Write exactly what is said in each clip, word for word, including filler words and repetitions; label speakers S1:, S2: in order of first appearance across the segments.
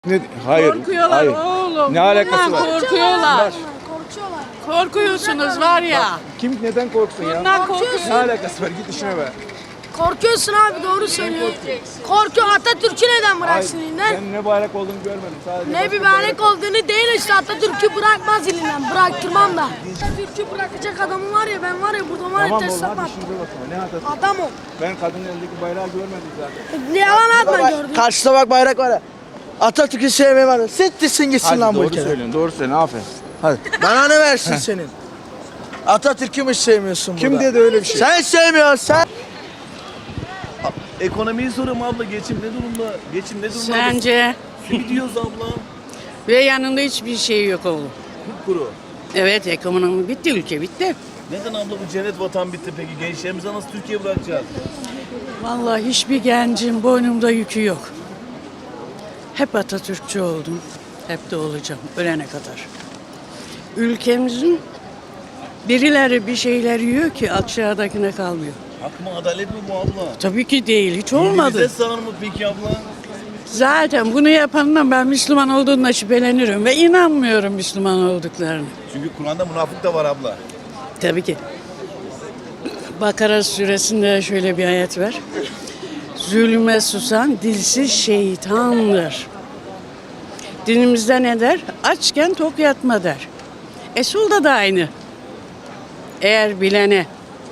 S1: Ne? Hayır.
S2: Korkuyorlar
S1: hayır.
S2: oğlum.
S1: Ne alakası var?
S2: Korkuyorlar.
S3: Korkuyorlar.
S2: Korkuyorsunuz var ya.
S1: Kim neden korksun ya?
S2: Bundan korkuyor.
S1: Ne alakası var? Git işine be.
S3: Korkuyorsun abi, doğru söylüyor. Korkuyor, Atatürk'ü neden bıraksın
S1: Hayır,
S3: elinden?
S1: ben ne bayrak olduğunu görmedim. Sadece
S3: Ne bir bayrak olduğunu değil işte, Atatürk'ü bırakmaz elinden. Bıraktırmam da. Atatürk'ü bırakacak adamım var ya, ben var ya burada var ya
S1: Tamam oğlum,
S3: teslim
S1: hadi
S3: attım.
S1: işinize bakın. Ne hatası?
S3: Adam o.
S1: Ben kadının elindeki bayrağı görmedim zaten.
S3: Ne yalan atma gördün.
S4: Karşıda bak bayrak var ya. Atatürk'ü sevmeyi var ya. Sittirsin gitsin
S1: Hadi
S4: lan bu
S1: doğru
S4: ülkeden.
S1: söylüyorsun, doğru söylüyorsun. Aferin.
S4: Hadi. Bana ne versin senin? Atatürk'ü mü sevmiyorsun
S1: Kim
S4: burada?
S1: dedi öyle bir şey?
S4: Sen sevmiyorsun sen.
S5: Ekonomiyi soruyorum abla. Geçim ne durumda? Geçim ne durumda?
S2: Sence?
S5: Simit yiyoruz abla.
S2: Ve yanında hiçbir şey yok oğlum.
S5: Kuru.
S2: Evet, ekonomi bitti, ülke bitti.
S5: Neden abla bu cennet vatan bitti peki? Gençlerimize nasıl Türkiye bırakacağız?
S2: Vallahi hiçbir gencin boynumda yükü yok. Hep Atatürkçü oldum. Hep de olacağım ölene kadar. Ülkemizin birileri bir şeyler yiyor ki aşağıdakine kalmıyor.
S5: Hak mı adalet mi bu abla?
S2: Tabii ki değil, hiç
S5: Dinimize
S2: olmadı.
S5: sığar mı peki abla?
S2: Zaten bunu yapandan ben Müslüman olduğuna şüphelenirim ve inanmıyorum Müslüman olduklarını.
S5: Çünkü Kur'an'da münafık da var abla.
S2: Tabii ki. Bakara suresinde şöyle bir ayet var. Zulme susan dilsiz şeytandır. Dinimizde ne der? Açken tok yatma der. Esul'da da aynı. Eğer bilene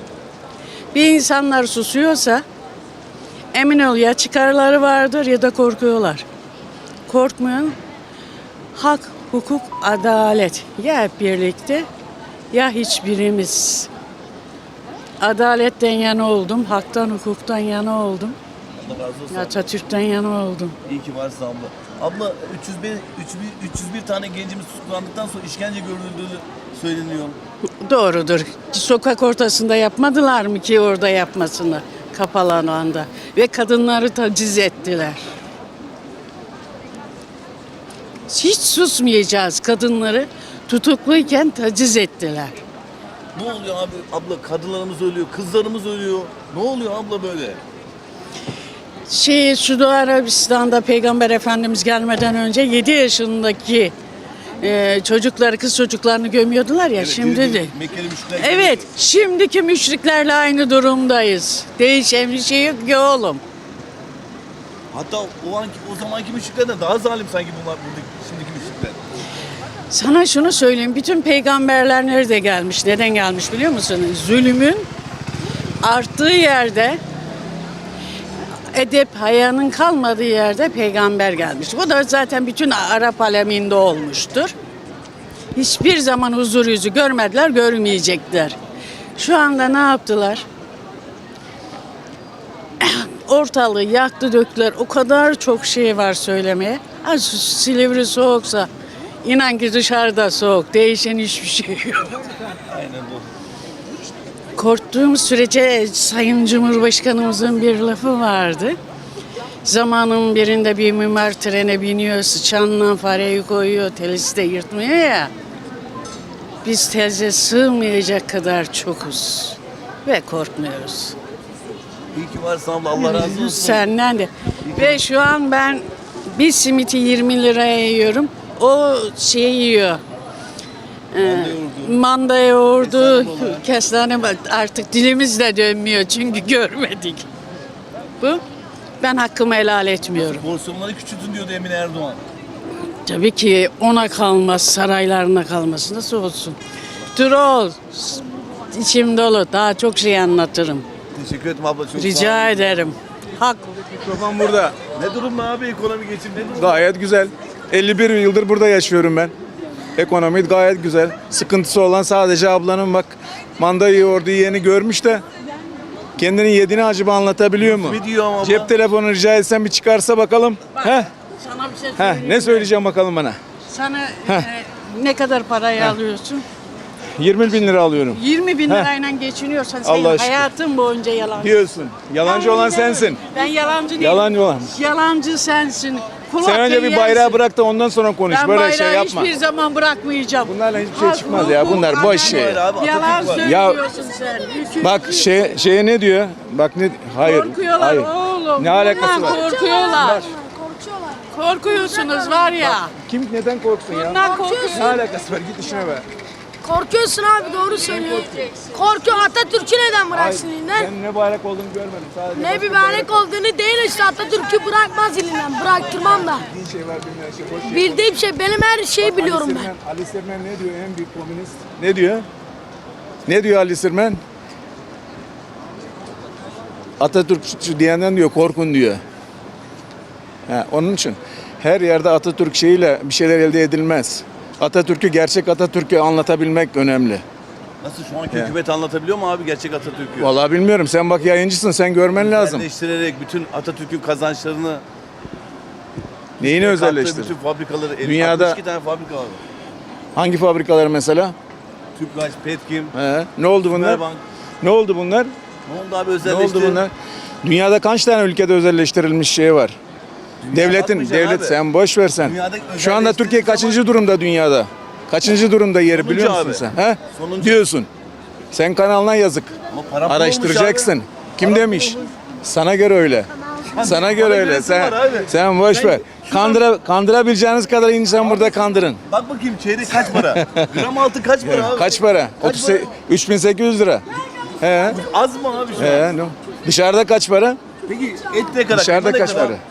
S2: bir insanlar susuyorsa emin ol ya çıkarları vardır ya da korkuyorlar. Korkmayan hak, hukuk, adalet ya hep birlikte ya hiçbirimiz. Adaletten yana oldum, haktan, hukuktan yana oldum.
S5: Allah razı olsun.
S2: Atatürk'ten yana oldum.
S5: İyi ki varsın abla. Abla üç yüz bir, üç yüz bir, üç yüz bir tane gencimiz tutuklandıktan sonra işkence görüldüğü söyleniyor.
S2: Doğrudur. Sokak ortasında yapmadılar mı ki orada yapmasını kapalı alanda ve kadınları taciz ettiler. Hiç susmayacağız, kadınları tutukluyken taciz ettiler.
S5: Ne oluyor abi? Abla kadınlarımız ölüyor, kızlarımız ölüyor. Ne oluyor abla böyle?
S2: Şey, Suudi Arabistan'da Peygamber Efendimiz gelmeden önce yedi yaşındaki e, çocukları, kız çocuklarını gömüyordular ya, şimdi de.
S5: Mekkeli müşrikler.
S2: Evet, şimdiki müşriklerle aynı durumdayız. Değişen bir şey yok ki oğlum.
S5: Hatta o anki o zamanki müşriklerden daha zalim sanki bunlar buradaki şimdiki müşrikler.
S2: Sana şunu söyleyeyim, bütün peygamberler nerede gelmiş, neden gelmiş biliyor musun? Zulümün arttığı yerde, edep, hayanın kalmadığı yerde peygamber gelmiş. Bu da zaten bütün Arap aleminde olmuştur. Hiçbir zaman huzur yüzü görmediler, görmeyecekler. Şu anda ne yaptılar? Ortalığı yaktı döktüler. O kadar çok şey var söylemeye. Ha, Silivri soğuksa inan ki dışarıda soğuk. Değişen hiçbir şey yok.
S5: Aynen bu.
S2: Korktuğum sürece Sayın Cumhurbaşkanımızın bir lafı vardı. Zamanın birinde bir mimar trene biniyor, sıçanla fareyi koyuyor, telisi de yırtmıyor ya. Biz teze sığmayacak kadar çokuz ve korkmuyoruz.
S5: İyi ki varsın abla. Allah razı olsun.
S2: Senden de. Ve şu an ben bir simiti yirmi liraya yiyorum. O şey yiyor. Ee, manda yoğurdu, kestane artık dilimiz de dönmüyor çünkü görmedik. Bu. Ben hakkımı helal etmiyorum.
S5: Porsiyonları küçültün diyordu Emine Erdoğan.
S2: Tabii ki ona kalmaz, saraylarına kalması nasıl olsun? Dur ol. İçim dolu. Daha çok şey anlatırım.
S5: Teşekkür ederim abla. Çok sağ ol.
S2: Rica ederim. Hak.
S1: Mikrofon burada.
S5: Ne durumda abi ekonomi geçim ne durumda?
S1: Gayet güzel. elli bir yıldır burada yaşıyorum ben. Ekonomi gayet güzel. Sıkıntısı olan sadece ablanın bak manda yoğurdu yiyeni görmüş de kendini yediğini acaba anlatabiliyor mu?
S5: Ne diyor ama abla?
S1: Cep telefonu rica etsem bir çıkarsa bakalım. Heh,
S2: Sana bir şey
S1: heh,
S2: söyleyeyim.
S1: ne söyleyeceğim bakalım bana.
S2: Sana e, ne kadar parayı alıyorsun?
S1: yirmi bin lira alıyorum.
S2: yirmi bin
S1: Heh.
S2: lirayla geçiniyorsan senin
S1: Allah'a şükür.
S2: hayatın boyunca yalan.
S1: Diyorsun. Yalancı olan sensin.
S2: Ben yalancı değilim.
S1: Yalancı olan.
S2: Yalancı sensin. Kulak
S1: Sen önce bir
S2: yersin.
S1: bayrağı bırak da ondan sonra konuş.
S2: Ben
S1: Böyle
S2: bayrağı
S1: şey yapma.
S2: hiçbir zaman bırakmayacağım.
S1: Bunlarla hiçbir şey
S2: Hak,
S1: çıkmaz ya.
S2: hukuk,
S1: Bunlar boş
S2: adalet.
S1: şey.
S5: Böyle abi,
S2: Yalan
S5: Atatürk var.
S2: söylüyorsun sen. Hüküm-
S1: Bak şey şeye ne diyor? Bak ne hayır.
S2: Korkuyorlar
S1: hayır.
S2: oğlum.
S1: Ne alakası
S2: Bundan
S1: var?
S2: Korkuyorlar.
S3: Korkuyorlar.
S2: Korkuyorsunuz var ya.
S1: Kim neden korksun ya?
S2: Bundan korkuyorsun.
S1: Ne alakası var? Git işine be.
S3: Korkuyorsun abi doğru söylüyor. Korkuyor Atatürk'ü neden bıraksın elinden?
S1: Ben ne bayrak olduğunu görmedim. Sadece
S3: Ne bir bayrak olduğunu değil işte Atatürk'ü bırakmaz elinden. Bıraktırmam da.
S1: bildiğin şey var bilmeyen şey. Boş ver.
S3: Bildiğim şey benim her şeyi biliyorum
S1: Ali
S3: ben.
S1: Sirmen, Ali Sirmen ne diyor en büyük komünist? Ne diyor? Ne diyor Ali Sirmen? Atatürkçü diyenden diyor korkun diyor. Ha, onun için her yerde Atatürk şeyiyle bir şeyler elde edilmez. Atatürk'ü, gerçek Atatürk'ü anlatabilmek önemli.
S5: Nasıl şu anki
S1: Ya.
S5: hükümet anlatabiliyor mu abi gerçek Atatürk'ü?
S1: Vallahi bilmiyorum. Sen bak yayıncısın. Sen görmen lazım.
S5: Özelleştirerek bütün Atatürk'ün kazançlarını
S1: Neyini
S5: kattığı
S1: özelleştir?
S5: bütün fabrikaları, el-
S1: Dünyada-
S5: altmış iki tane fabrika var.
S1: Hangi fabrikalar mesela?
S5: Tüpraş, Petkim,
S1: He. Ne oldu bunlar?
S5: Sümerbank.
S1: Ne oldu bunlar?
S5: Ne oldu abi
S1: Ne
S5: özelleşti?
S1: oldu bunlar? Dünyada kaç tane ülkede özelleştirilmiş şey var? Devletin,
S5: bakmayacaksın
S1: devlet
S5: abi.
S1: sen boş ver sen.
S5: Dünyada
S1: Şu anda Türkiye
S5: özelleştiği
S1: kaçıncı durumda dünyada? Kaçıncı durumda yeri
S5: Sonuncu
S1: biliyor musun
S5: abi.
S1: sen? He?
S5: Sonuncu.
S1: Diyorsun. Sen kanalına yazık.
S5: Ama para pul
S1: Araştıracaksın.
S5: olmuş
S1: Kim
S5: Para
S1: demiş?
S5: pul olmuş.
S1: Sana göre öyle. Sana göre öyle.
S5: göresi
S1: Sen
S5: var abi.
S1: sen boş
S5: Sen
S1: ver.
S5: şuradan-
S1: Kandıra kandırabileceğiniz kadar insan burada kandırın.
S5: Bak bakayım çeyrek kaç para? Gram altın kaç para abi?
S1: Kaç para?
S5: Kaç
S1: otuz
S5: para?
S1: üç bin sekiz yüz lira. He.
S5: Az mı abi şu an?
S1: He. no. Dışarıda kaç para?
S5: Peki et ne kadar?
S1: Dışarıda
S5: kıyma ne
S1: kaç
S5: kadar?
S1: para?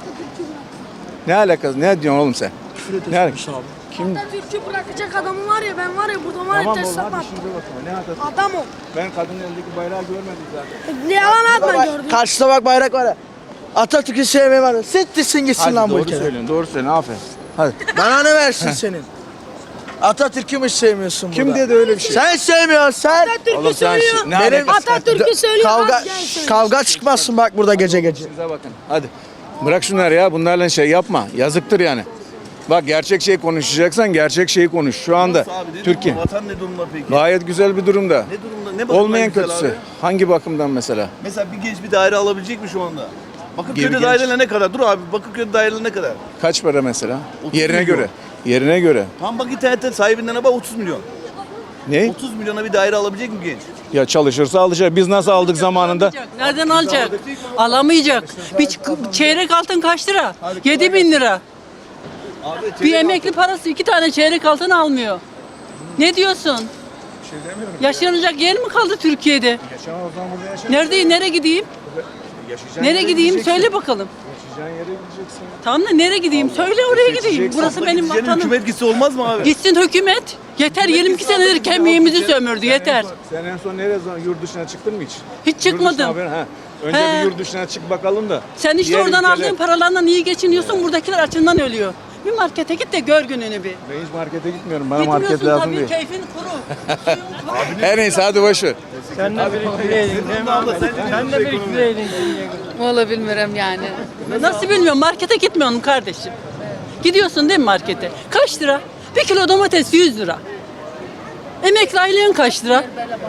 S1: Ne alakası? Ne diyorsun oğlum sen? Ne alakası? Kim?
S3: Atatürk'ü bırakacak adamı var ya ben var ya burada var ya
S1: Tamam oğlum
S3: teslim
S1: hadi
S3: at.
S1: işinize bakın. Ne Atatürk?
S3: Adam o.
S1: Ben kadının elindeki bayrağı görmedim zaten.
S3: Ne yalan atma gördün.
S4: Karşıda bak bayrak var ya. Atatürk'ü sevmeyi var ya. Sittirsin gitsin
S1: Hadi
S4: lan bu
S1: doğru
S4: ülkeden.
S1: söylüyorsun, doğru söylüyorsun. Aferin. Hadi.
S4: Bana ne versin senin? Atatürk'ü mü sevmiyorsun
S1: Kim
S4: burada?
S1: dedi öyle bir şey?
S4: Sen sevmiyorsun sen.
S3: Atatürk'ü
S1: Oğlum sen
S3: söylüyor.
S1: şi- ne alakası var?
S3: Atatürk'ü söylüyor.
S4: Kavga,
S3: az gel söyle.
S4: kavga çıkmazsın bak burada gece gece.
S1: İşinize bakın. Hadi. Bırak şunları ya. Bunlarla şey yapma. Yazıktır yani. Bak gerçek şey konuşacaksan gerçek şeyi konuş. Şu anda
S5: Nasıl abi? Ne
S1: Türkiye
S5: durumda? Vatan ne durumda peki?
S1: gayet güzel bir durumda.
S5: Ne durumda? Ne bakımdan
S1: Olmayan
S5: güzel
S1: kötüsü.
S5: abi?
S1: Hangi bakımdan mesela?
S5: Mesela bir genç bir daire alabilecek mi şu anda? Bakırköy'de
S1: genç.
S5: daireler ne kadar? Dur abi Bakırköy'de daireler ne kadar?
S1: Kaç para mesela?
S5: otuz
S1: Yerine
S5: milyon.
S1: göre. Yerine göre.
S5: Tam bak internette sahibinden bak otuz milyon.
S1: Ne?
S5: otuz milyona bir daire alabilecek mi genç?
S1: Ya çalışırsa alacak. Biz nasıl aldık zamanında?
S6: Nereden alacak? Alamayacak. Bir ç- çeyrek altın kaç lira? Yedi bin lira.
S5: Abi
S6: Bir emekli parası iki tane çeyrek altın almıyor. Ne diyorsun? Yaşanacak yer mi kaldı Türkiye'de? Nerede, nereye gideyim? Nereye gideyim? Söyle bakalım.
S1: Yaşayacağın yere gideceksin.
S6: Tamam da nereye gideyim? Söyle oraya gideyim. Burası benim
S5: Gideceğin
S6: vatanım.
S5: hükümet gitse olmaz mı abi?
S6: Gitsin hükümet. Yeter yirmi iki senedir kemiğimizi sömürdü. Yeter.
S1: Sen en son nereye zaman yurt dışına çıktın mı hiç?
S6: Hiç
S1: Yurt dışına
S6: çıkmadım.
S1: haber- ha. Önce
S6: He.
S1: bir yurt dışına çık bakalım da.
S6: Sen işte
S1: Diğer
S6: oradan
S1: ülkeler-
S6: aldığın paralarla iyi geçiniyorsun. Buradakiler açından ölüyor. Bir markete git de gör gününü bir.
S1: Ben hiç markete gitmiyorum. Bana market
S6: Gitmiyorsun
S1: lazım
S6: tabii
S1: değil.
S6: keyfin kuru.
S1: Her neyse hadi boş ver.
S7: Sen de biriktireydin değil mi abi? Sen de biriktireydin.
S8: Valla bilmiyorum yani.
S6: Nasıl bilmiyorum markete gitmiyorum kardeşim. Gidiyorsun değil mi markete? Kaç lira? Bir kilo domates yüz lira. Emekli aylığın kaç lira?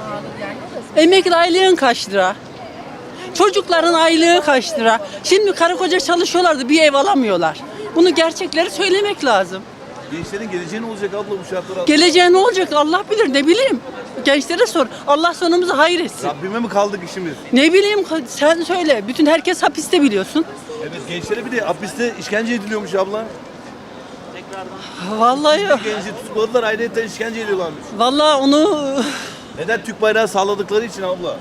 S6: Emekli aylığın kaç lira? Çocukların aylığı kaç lira? Şimdi karı koca çalışıyorlardı bir ev alamıyorlar. Bunu gerçekleri söylemek lazım.
S5: Gençlerin geleceği ne olacak abla bu şartlar altında?
S6: Geleceğe ne olacak Allah bilir ne bileyim. Gençlere sor. Allah sonumuzu hayır etsin.
S5: Rabbime mi kaldık işimiz?
S6: Ne bileyim sen söyle. Bütün herkes hapiste biliyorsun.
S5: Evet gençlere bir de hapiste işkence ediliyormuş abla.
S6: Vallahi
S5: Bir genci tutukladılar ayrıca işkence ediyorlarmış.
S6: vallahi onu
S5: Neden Türk bayrağı sağladıkları için abla?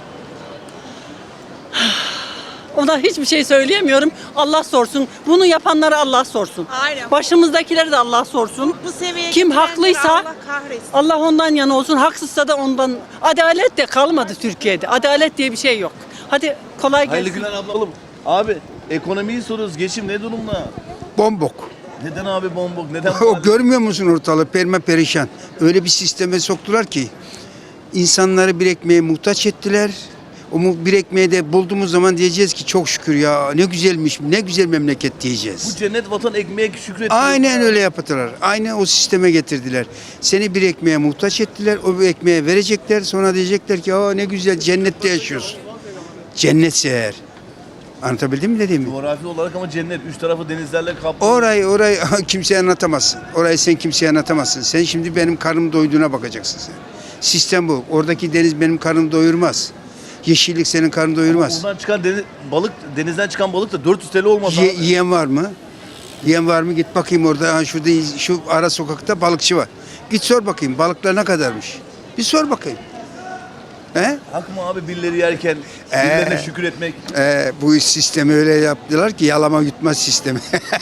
S6: ona hiçbir şey söyleyemiyorum. Allah sorsun. Bunu yapanlara Allah sorsun.
S9: Aynen.
S6: Başımızdakileri de Allah sorsun.
S9: Bu seviyeye
S6: Kim
S9: getirenleri
S6: haklıysa
S9: Allah kahretsin.
S6: Allah ondan yana olsun. Haksızsa da ondan. Adalet de kalmadı Türkiye'de. Adalet diye bir şey yok. Hadi kolay
S5: Hayırlı
S6: gelsin.
S5: günler abla. Oğlum, abi ekonomiyi soruyoruz. Geçim ne durumda?
S10: Bombok.
S5: Neden abi bombok? Neden
S10: O görmüyor musun ortalığı perme perişan. Öyle bir sisteme soktular ki insanları bir ekmeğe muhtaç ettiler. O mu- bir ekmeği de bulduğumuz zaman diyeceğiz ki çok şükür ya ne güzelmiş ne güzel memleket diyeceğiz.
S5: Bu cennet vatan ekmeğe şükret.
S10: Aynen öyle yaptılar. Aynen o sisteme getirdiler. Seni bir ekmeğe muhtaç ettiler. O bir ekmeğe verecekler. Sonra diyecekler ki aa ne güzel cennette yaşıyorsun. Cennetse eğer. Anlatabildim mi dediğimi?
S5: Coğrafi olarak ama cennet. Üç tarafı denizlerle kaplı.
S10: Orayı orayı kimseye anlatamazsın. Orayı sen kimseye anlatamazsın. Sen şimdi benim karnım doyduğuna bakacaksın sen. Sistem bu. Oradaki deniz benim karnımı doyurmaz. Yeşillik senin karnını doyurmaz.
S5: Buradan çıkan deniz, balık, denizden çıkan balık da dört yüz T L olmaz
S10: Ye-
S5: abi.
S10: yiyen var mı? Diyen var mı? Git bakayım orada. Ha, şurada şu ara sokakta balıkçı var. Git sor bakayım balıklar ne kadarmış. Bir sor bakayım. He?
S5: Hak mı abi birileri yerken
S10: Ee,
S5: birilerine şükür etmek?
S10: Ee, bu sistemi öyle yaptılar ki yalama yutma sistemi.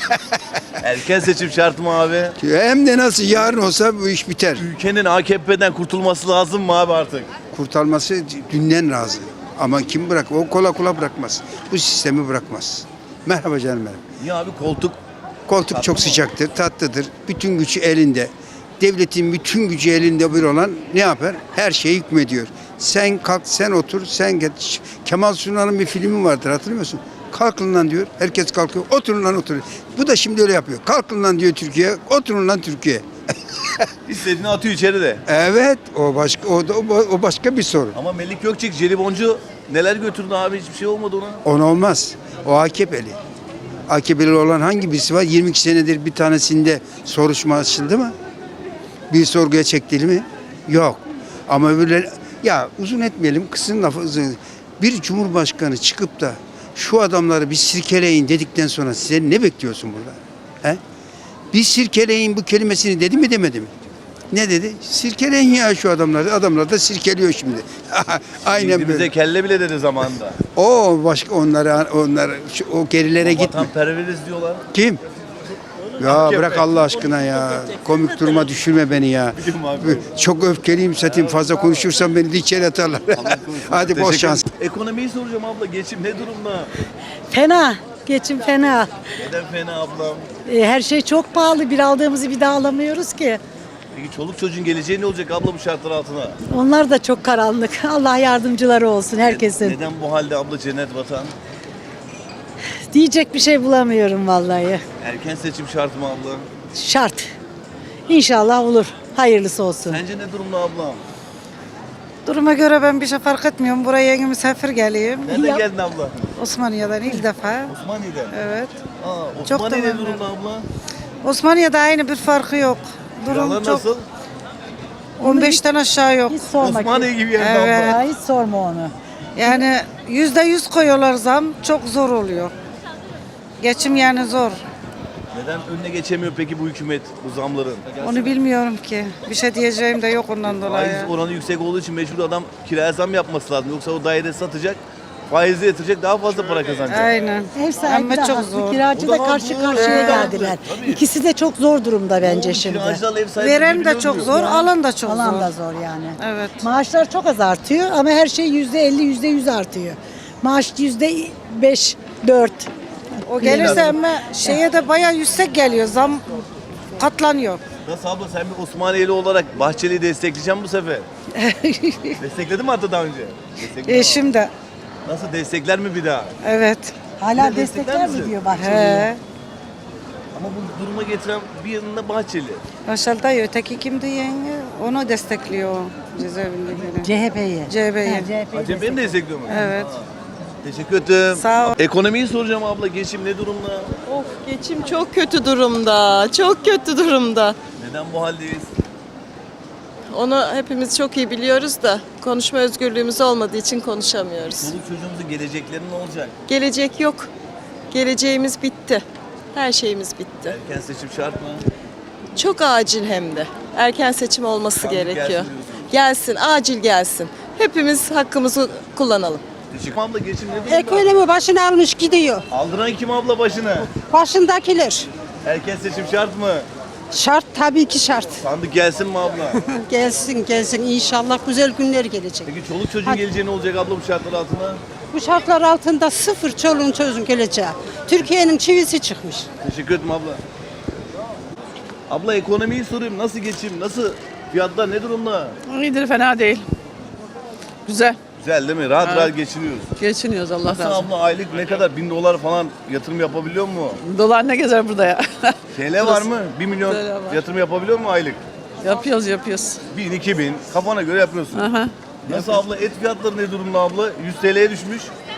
S5: Erken seçim şart mı abi?
S10: Hem de nasıl yarın olsa bu iş biter.
S5: Ülkenin A K P'den kurtulması lazım mı abi artık?
S10: Kurtarması dünden razı. Ama kim bırak? O kola kola bırakmaz. Bu sistemi bırakmaz. Merhaba canım benim.
S5: Niye abi koltuk?
S10: Koltuk
S5: Tatlı
S10: çok
S5: mı?
S10: sıcaktır, tatlıdır. Bütün gücü elinde. Devletin bütün gücü elinde bir olan ne yapar? Her şeye hükmediyor. Sen kalk, sen otur, sen geç. Kemal Sunal'ın bir filmi vardır hatırlıyor musun? Kalkın lan diyor. Herkes kalkıyor. Oturun lan oturun. Bu da şimdi öyle yapıyor. Kalkın lan diyor Türkiye. Oturun lan Türkiye.
S5: İstediğini atıyor içeri de.
S10: Evet, o başka o, da, o başka bir sorun.
S5: Ama Melik Gökçek, jeliboncu neler götürdü abi hiçbir şey olmadı ona.
S10: On olmaz. O A K P'li. A K P'li olan hangi birisi var? yirmi iki senedir bir tanesinde soruşturma açıldı mı? Bir sorguya çekildi mi? Yok. Ama böyle ya uzun etmeyelim kısın lafı uzun. Bir cumhurbaşkanı çıkıp da şu adamları bir sirkeleyin dedikten sonra size ne bekliyorsun burada? He? Bir sirkeleyin bu kelimesini dedi mi demedi mi? Ne dedi? Sirkeleyin ya şu adamları. Adamlar da sirkeliyor şimdi. Aynen
S5: Birbirimize
S10: böyle.
S5: kelle bile dedi zamanında.
S10: O başka onlara onlar şu- o gerilere gitme.
S5: Vatanperveriz diyorlar.
S10: Kim? Ya bırak Allah aşkına ya. Komik duruma düşürme beni ya.
S5: Biliyorum abi.
S10: Çok öfkeliyim zaten fazla konuşursam beni de içeri atarlar. Hadi bol
S5: Teşekkür
S10: şans.
S5: ederim. Ekonomiyi soracağım abla. Geçim ne durumda?
S9: Fena. Geçim fena.
S5: Neden fena ablam?
S9: E, her şey çok pahalı. Bir aldığımızı bir daha alamıyoruz ki.
S5: Peki çoluk çocuğun geleceği ne olacak abla bu şartlar altına?
S9: Onlar da çok karanlık. Allah yardımcıları olsun herkesin.
S5: Neden bu halde abla cennet vatan?
S9: Diyecek bir şey bulamıyorum vallahi.
S5: Erken seçim şart mı abla?
S9: Şart. İnşallah olur. Hayırlısı olsun.
S5: Sence ne durumda ablam?
S11: Duruma göre ben bir şey fark etmiyorum. Buraya yeni misafir geleyim.
S5: Nereden
S9: Ya-
S5: geldin abla?
S11: Osmaniye'den ilk defa.
S5: Osmaniye'den.
S11: Evet.
S5: Aa,
S11: Çok
S5: Osmaniye ne
S11: da memnunum.
S5: durumda abla?
S11: Osmaniye'de aynı bir farkı yok. Durum
S5: Kiralar
S11: çok.
S5: nasıl?
S11: on beşten aşağı yok.
S9: Hiç sorma.
S5: Osmaniye gibi yerde
S11: Evet.
S5: abla.
S9: Ya, hiç sorma onu.
S11: Yani yüzde yüz koyuyorlar zam. Çok zor oluyor. Geçim yani zor.
S5: Neden önüne geçemiyor peki bu hükümet bu zamların?
S11: Onu bilmiyorum ki. Bir şey diyeceğim de yok ondan dolayı.
S5: Faiz oranı yüksek olduğu için mecbur adam kiraya zam yapması lazım. Yoksa o daire satacak, faizi yatıracak daha fazla para kazanacak.
S11: Aynen.
S9: Ev sahibi
S11: Ama
S9: de
S11: çok
S9: haklı,
S11: zor.
S9: kiracı
S5: O
S9: da
S5: zaman
S9: karşı
S5: bu-
S9: karşıya
S5: Evet.
S9: geldiler.
S5: Tabii.
S9: İkisi de çok zor durumda bence
S5: Oğlum,
S9: şimdi.
S5: kiracılarla ev sahibi
S11: Veren de
S5: birbirine
S11: çok
S5: ölüyor.
S11: zor, alan da çok
S9: Alan
S11: zor.
S9: da zor yani.
S11: Evet.
S9: Maaşlar çok az artıyor ama her şey yüzde elli, yüzde yüz artıyor. Maaş yüzde beş, dört.
S11: O gelirse ama şeye de bayağı yüksek geliyor. Zam katlanıyor.
S5: Nasıl abla sen bir Osmaniyeli olarak Bahçeli'yi destekleyeceğim bu sefer. Destekledin mi hatta daha önce? Destekledin mi?
S11: Eşim de.
S5: Nasıl destekler mi bir daha?
S11: Evet.
S9: Hala
S5: Yine destekler
S9: destekler mi
S5: misin?
S9: diyor Bahçeli'ye?
S11: He.
S5: Ama bu duruma getiren bir yanında Bahçeli.
S11: Başal dayı öteki kimdi yenge? Onu destekliyor cezaevindekini.
S9: C H P'yi.
S11: C H P'yi.
S9: Ha, C H P'yi
S5: Acem beni destekliyor mu?
S11: Evet.
S5: Aa, teşekkür ederim.
S11: Sağ ol.
S5: Ekonomiyi soracağım abla. Geçim ne durumda?
S6: Of geçim çok kötü durumda. Çok kötü durumda.
S5: Neden bu haldeyiz?
S6: Onu hepimiz çok iyi biliyoruz da konuşma özgürlüğümüz olmadığı için konuşamıyoruz.
S5: Çoluk çocuğumuzun gelecekleri ne olacak?
S6: Gelecek yok. Geleceğimiz bitti. Her şeyimiz bitti.
S5: Erken seçim şart mı?
S6: Çok acil hem de. Erken seçim olması
S5: Sandık
S6: gerekiyor.
S5: gelsin diyorsunuz.
S6: Gelsin, acil gelsin. Hepimiz hakkımızı kullanalım.
S5: Teşekkür abla geçim ne durumda?
S9: Ekonomi başını almış gidiyor.
S5: Aldıran kim abla başını?
S9: Başındakiler.
S5: Erken seçim şart mı?
S9: Şart tabii ki şart.
S5: Sandık gelsin mi abla?
S9: Gelsin gelsin inşallah güzel günler gelecek.
S5: Peki çoluk çocuğun geleceği ne olacak abla bu şartlar altında?
S9: Bu şartlar altında sıfır çoluğun çocuğun geleceği. Türkiye'nin çivisi çıkmış.
S5: Teşekkür ederim abla. Abla ekonomiyi sorayım. Nasıl geçim? Nasıl fiyatlar ne durumda?
S6: İyidir, fena değil. Güzel.
S5: Güzel değil mi? Rahat rahat geçiniyoruz.
S6: Geçiniyoruz Allah
S5: Nasıl abla aylık ne kadar? Bin dolar falan yatırım yapabiliyor mu?
S6: Dolar ne gezer burada ya?
S5: T L var mı? Bir milyon
S6: T L var.
S5: yatırım yapabiliyor mu aylık?
S6: yapıyoruz, yapıyoruz.
S5: Bin, iki bin. Kafana göre yapıyorsun.
S6: Aha.
S5: Nasıl abla? Et fiyatları ne durumda abla? yüz T L'ye düşmüş.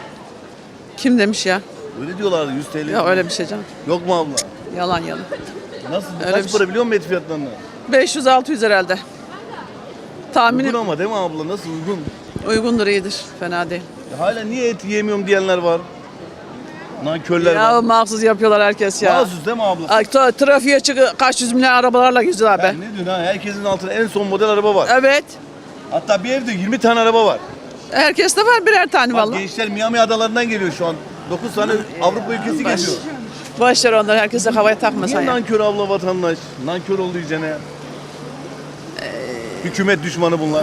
S6: Kim demiş ya?
S5: Öyle diyorlardı yüz T L.
S6: Ya öyle bir şey canım.
S5: Yok mu abla?
S6: Yalan yalan.
S5: Nasıl?
S6: Öyle
S5: Kaç
S6: bir
S5: para
S6: şey.
S5: biliyor musun et fiyatlarını?
S6: beş yüz altı yüz herhalde. Tahminim
S5: Uygun ama değil mi abla? Nasıl uygun?
S6: uygundur, iyidir. Fena değil.
S5: Ya hala niye et yiyemiyorum diyenler var. Nankörler
S6: Ya
S5: var.
S6: mahsus yapıyorlar herkes ya.
S5: Mahsus değil mi abla?
S6: Ay, tra- trafiğe çıkıyor kaç yüz milyon arabalarla geziyorlar
S5: Ya
S6: be.
S5: ne diyorsun ha? Herkesin altında en son model araba var.
S6: Evet.
S5: Hatta bir evde yirmi tane araba var.
S6: Herkes de var birer tane
S5: Bak
S6: vallahi.
S5: gençler Miami adalarından geliyor şu an. dokuz tane Avrupa ülkesi geliyor.
S6: Boş ver onları herkese havaya takma sen
S5: Niye
S6: ya.
S5: nankör abla vatandaş? Nankör oldu iyicene ya. Hükümet düşmanı bunlar.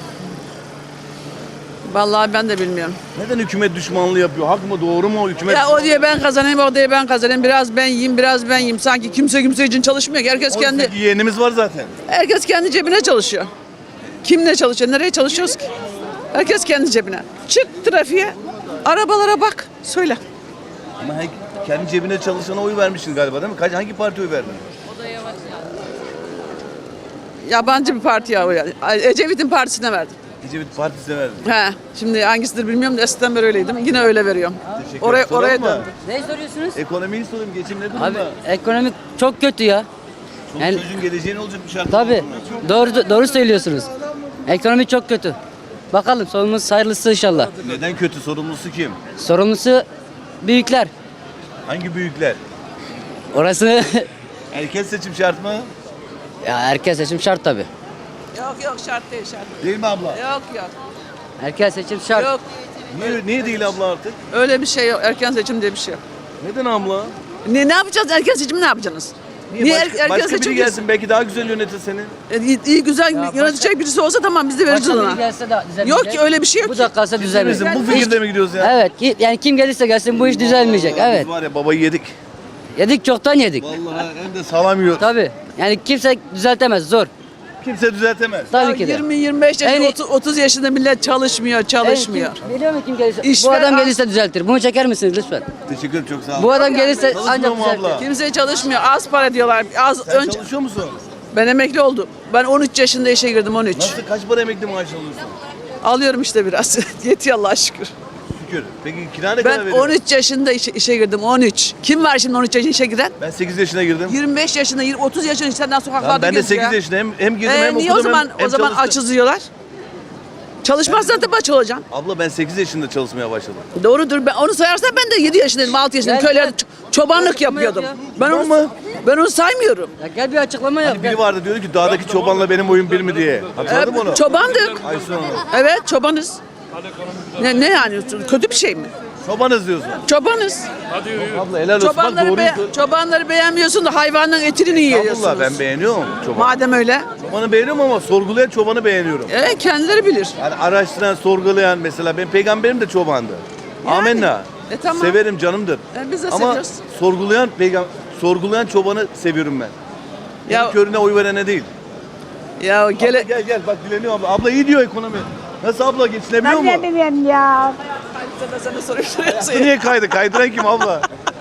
S6: Vallahi ben de bilmiyorum.
S5: Neden hükümet düşmanlığı yapıyor? Hak mı doğru mu? Hükümet
S6: Ya o diye ben kazanayım, o diye ben kazanayım. Biraz ben yiyeyim, biraz ben yiyeyim. Sanki kimse kimse için çalışmıyor ki. Herkes kendi
S5: kendi yeğenimiz var zaten.
S6: herkes kendi cebine çalışıyor. Kim ne çalışıyor? Nereye çalışıyoruz ki? Herkes kendi cebine. Çık trafiğe, arabalara bak, söyle.
S5: Ama her, kendi cebine çalışana oy vermişsin galiba değil mi? Kaç, hangi partiye oy verdin?
S6: Yabancı bir partiye oy verdim. Ecevit'in partisine verdim.
S5: Ecevit Partisi'ne verdin.
S6: He, şimdi hangisidir bilmiyorum da eskiden beri öyleydim. Yine öyle veriyorum.
S5: Teşekkür
S6: Oraya,
S5: ederim.
S6: oraya
S5: Soralım mı?
S6: döndüm.
S7: Ne soruyorsunuz?
S5: Ekonomiyi sorayım. Geçim ne durumda?
S7: Abi ekonomi çok kötü ya.
S5: Çoluk
S7: yani-
S5: çocuğun geleceği ne olacak bu şartlar
S7: Tabii
S5: altında?
S7: doğru doğru söylüyorsunuz. Ekonomi çok kötü. Bakalım sonumuz hayırlısı inşallah.
S5: Neden kötü? Sorumlusu kim?
S7: Sorumlusu büyükler.
S5: Hangi büyükler?
S7: Orası
S5: Erken seçim şart mı?
S7: ya erken seçim şart tabii.
S6: Yok yok şart değil şart.
S5: Değil mi abla?
S6: Yok yok.
S7: Erken seçim şart.
S6: Yok
S5: Niye, niye değil abla artık?
S6: öyle bir şey yok. Erken seçim diye bir şey yok.
S5: Neden abla?
S6: Ne, ne yapacağız? Erken seçimi ne yapacaksınız?
S5: Niye,
S6: er-
S5: başka, başka biri
S6: seçim
S5: gelsin belki daha güzel yönetir seni.
S6: E, İyi, iyi güzel
S7: başka-
S6: yönetecek birisi olsa tamam biz de veririz
S7: Başka biri
S6: ona.
S7: gelse de düzelmeyecek.
S6: Yok ki öyle bir şey yok
S7: Bu
S6: ki.
S7: da kalsa düzelmeyecek.
S5: Bizim bu fikirde mi gidiyoruz ya?
S7: Evet ki- yani kim gelirse gelsin bu iş düzelmeyecek. Evet.
S5: Biz var ya babayı yedik.
S7: Yedik çoktan yedik.
S5: Vallahi hem de salam yiyoruz.
S7: Tabii. Yani kimse düzeltemez zor.
S5: Kimse düzeltemez.
S7: Tabii ki de.
S6: yirmi yirmi beş
S7: En
S6: yaşında
S7: iyi-
S6: otuz, otuz yaşında millet çalışmıyor, çalışmıyor.
S7: Evet, kim, biliyor musun kim gelirse?
S6: İş
S7: bu
S6: ver,
S7: adam
S6: al.
S7: gelirse düzeltir. Bunu çeker misiniz lütfen?
S5: Teşekkür ederim çok sağ ol.
S7: Bu adam gelirse
S5: Çalışmıyor
S7: ancak
S5: mu
S7: düzeltir.
S5: abla?
S6: Kimse çalışmıyor. Az para diyorlar. Az
S5: Sen
S6: önce
S5: çalışıyor musun?
S6: ben emekli oldum. Ben on üç yaşında işe girdim on üç.
S5: Nasıl kaç para emekli maaş alıyorsun?
S6: Alıyorum işte biraz. Yetiyor Allah'a şükür.
S5: Şükür. Peki kira ne kadar
S6: Ben
S5: veriyorsun?
S6: on üç yaşında işe, işe girdim on üç. Kim var şimdi on üç yaşında işe giren?
S5: Ben sekiz yaşına girdim.
S6: yirmi beş yaşında, yirmi- otuz yaşında insanlar sokaklarda
S5: Lan ben de
S6: geziyor.
S5: sekiz yaşında hem, hem girdim
S6: Ee,
S5: hem
S6: niye
S5: okudum
S6: o zaman
S5: hem, hem
S6: o zaman
S5: çalıştım.
S6: açız yiyorlar? Çalışmazsan tabii aç olacaksın.
S5: Abla ben sekiz yaşında çalışmaya başladım.
S6: Doğrudur. Ben onu sayarsan ben de yedi yaşındayım, altı yaşındayım.
S7: Gel,
S6: Köylerde
S7: gel.
S6: ç- çobanlık
S7: Açıklama
S6: yapıyordum.
S7: yap
S6: Ben onu
S5: Tamam mı?
S6: ben onu saymıyorum.
S7: Ya gel bir açıklama yap.
S5: Hani biri vardı diyordu ki dağdaki çobanla benim boyum bir mi diye. Hatırladın mı onu?
S6: Çobandık.
S5: Aysun Hanım.
S6: Evet, çobanız. Ne, ne yani? Kötü bir şey mi?
S5: Çobanız diyorsun.
S6: Çobanız.
S5: Abla helal olsun bak
S6: Çobanları,
S5: doğruyu
S6: be- çobanları beğenmiyorsun da hayvanın etini yiyorsunuz.
S5: Abla ben beğeniyorum çobanı.
S6: Madem öyle,
S5: Çobanı beğeniyorum ama sorgulayan çobanı beğeniyorum.
S6: evet, kendileri bilir.
S5: Yani araştıran, sorgulayan mesela benim peygamberim de çobandı.
S6: Yani.
S5: Amenna.
S6: E, tamam.
S5: Severim canımdır.
S6: E, biz de
S5: ama
S6: seviyoruz.
S5: sorgulayan peygam sorgulayan çobanı seviyorum ben.
S6: Ya-
S5: Ya körüne oy verene değil.
S6: Ya
S5: Abla
S6: gele
S5: gel gel bak dileniyor abla. Abla iyi diyor ekonomi. Nasıl abla geçinebiliyor mu?
S11: bileyim ya.
S6: sana soruyorsun.
S5: Niye kaydı? Kaydıran kim abla?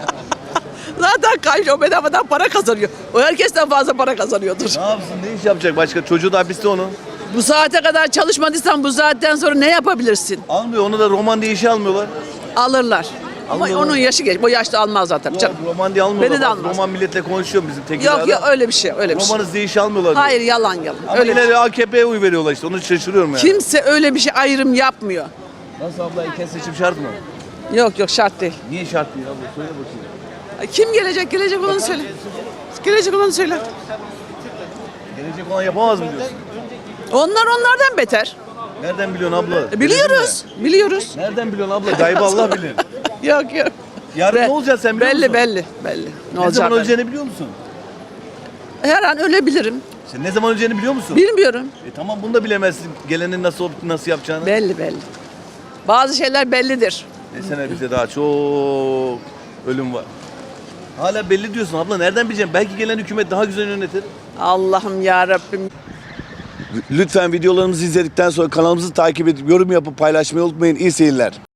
S6: Zaten kayıyor, bedavadan para kazanıyor. O herkesten fazla para kazanıyordur.
S5: Ne yapsın? Ne iş yapacak başka? Çocuğu da hapiste onu.
S6: Bu saate kadar çalışmadıysan bu saatten sonra ne yapabilirsin?
S5: Almıyor. Onu da roman diye işe almıyorlar.
S6: Alırlar. Ama
S5: Almıyorlar.
S6: onun yaşı geç. Bu yaşta almaz zaten canım.
S5: Yok, roman diye almıyorlar.
S6: Beni de
S5: Bak,
S6: almaz.
S5: Roman milletle konuşuyor bizim Tekirdağ'da.
S6: Yok yok öyle bir şey, öyle bir şey.
S5: Romanız diye işe almıyorlar. diyor.
S6: Hayır, yalan yalan.
S5: Ama
S6: Öyle bir
S5: yine
S6: şey.
S5: de A K P'ye oy veriyorlar işte. Onu şaşırıyorum yani.
S6: Kimse öyle bir şey ayrım yapmıyor.
S5: Nasıl abla erken seçim şart mı?
S6: Yok yok şart değil.
S5: Niye şart değil abla? Söyle bakayım.
S6: Kim gelecek? Gelecek olanı söyle. Gelecek olanı söyle.
S5: Gelecek olan yapamaz mı diyorsun?
S6: Onlar onlardan beter.
S5: Nereden biliyorsun abla?
S6: E, Biliyoruz. Biliyoruz.
S5: Nereden biliyorsun abla? Gaybı Allah bilir.
S6: Yok yok.
S5: Yarın
S6: Be-
S5: ne olacak sen biliyor
S6: belli,
S5: musun?
S6: Belli belli. Ne,
S5: Ne
S6: olacak?
S5: zaman öleceğini biliyor musun?
S6: Her an ölebilirim.
S5: Sen ne zaman öleceğini biliyor musun?
S6: Bilmiyorum.
S5: E tamam bunu da bilemezsin. Gelenin nasıl olup nasıl yapacağını.
S6: Belli belli. Bazı şeyler bellidir.
S5: Desene bize daha çok ölüm var. Hala belli diyorsun abla. Nereden bileceğim? Belki gelen hükümet daha güzel yönetir.
S6: Allah'ım ya Rabbim.
S5: Lütfen videolarımızı izledikten sonra kanalımızı takip edip yorum yapıp paylaşmayı unutmayın. İyi seyirler.